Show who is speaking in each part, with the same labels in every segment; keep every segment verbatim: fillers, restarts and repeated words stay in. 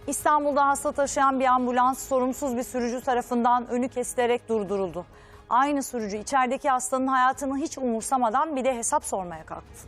Speaker 1: İstanbul'da hasta taşıyan bir ambulans sorumsuz bir sürücü tarafından önü kesilerek durduruldu. Aynı sürücü içerideki hastanın hayatını hiç umursamadan bir de hesap sormaya kalktı.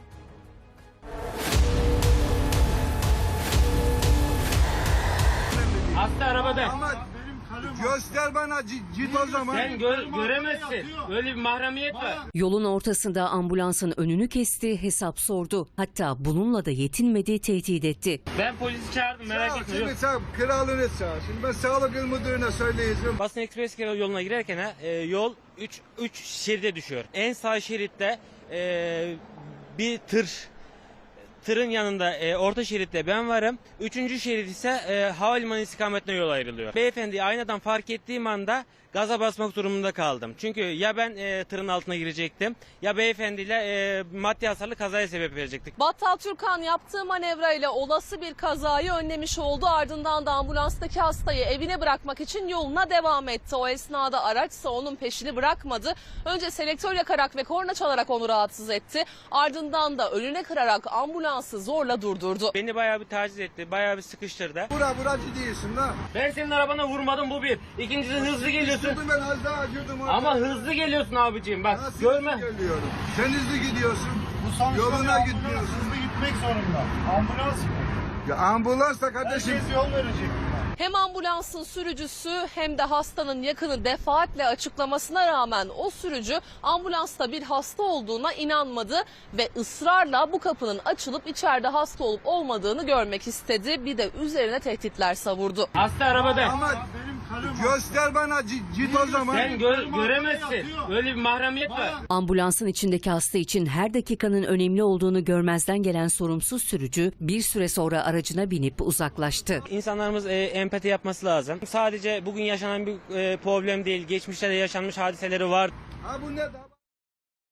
Speaker 2: Hasta arabada.
Speaker 3: Ama göster bana git o zaman.
Speaker 2: Sen gö göremezsin. Öyle bir mahremiyet var.
Speaker 4: Yolun ortasında ambulansın önünü kesti, hesap sordu. Hatta bununla da yetinmedi, tehdit etti.
Speaker 2: Ben polisi çağırdım, merak
Speaker 3: Çağır,
Speaker 2: etme.
Speaker 3: Şimdi
Speaker 2: Yok.
Speaker 3: sen kralını çağır. Şimdi ben sağlık il müdürüne söyleyeceğim.
Speaker 2: Basın Ekspres yoluna girerken ha, e, yol üç şeride düşüyor. En sağ şeritte e, bir tır. Tırın yanında e, orta şeritte ben varım. Üçüncü şerit ise e, havalimanı istikametine yol ayrılıyor. Beyefendi aynadan fark ettiğim anda gaza basmak durumunda kaldım. Çünkü ya ben e, tırın altına girecektim ya beyefendiyle e, maddi hasarlı kazaya sebep verecektik.
Speaker 5: Battal Türkan yaptığı manevrayla olası bir kazayı önlemiş oldu. Ardından da ambulanstaki hastayı evine bırakmak için yoluna devam etti. O esnada araçsa onun peşini bırakmadı. Önce selektör yakarak ve korna çalarak onu rahatsız etti. Ardından da önüne kırarak ambulansı zorla durdurdu.
Speaker 2: Beni bayağı bir taciz etti, bayağı bir sıkıştırdı.
Speaker 3: Bura buracı değilsin la.
Speaker 2: Ben senin arabana vurmadım, bu bir. İkincisi hızlı geliyorsun.
Speaker 3: Şimdi ben az daha girdim orada.
Speaker 2: Ama hızlı geliyorsun abiciğim, bak
Speaker 3: Nasıl
Speaker 2: görme.
Speaker 3: hızlı geliyorum? Sen hızlı gidiyorsun.
Speaker 6: Bu sonuçta
Speaker 3: Yoluna
Speaker 6: bir ambulans
Speaker 3: gitmiyorsun.
Speaker 6: hızlı gitmek zorunda. Ambulans
Speaker 3: Ya ambulans da kardeşim.
Speaker 6: herkes yol verecek.
Speaker 5: Hem ambulansın sürücüsü hem de hastanın yakını defaatle açıklamasına rağmen o sürücü ambulansta bir hasta olduğuna inanmadı ve ısrarla bu kapının açılıp içeride hasta olup olmadığını görmek istedi. Bir de üzerine tehditler savurdu.
Speaker 2: Hasta arabada.
Speaker 3: Ama
Speaker 6: Benim karım
Speaker 3: göster bana git o zaman.
Speaker 2: Sen gö göremezsin. Öyle bir mahremiyet var.
Speaker 4: Ambulansın içindeki hasta için her dakikanın önemli olduğunu görmezden gelen sorumsuz sürücü bir süre sonra aracına binip uzaklaştı.
Speaker 2: İnsanlarımız e, empati yapması lazım. Sadece bugün yaşanan bir e, problem değil. Geçmişte de yaşanmış hadiseleri var.
Speaker 3: Ha bu ne da?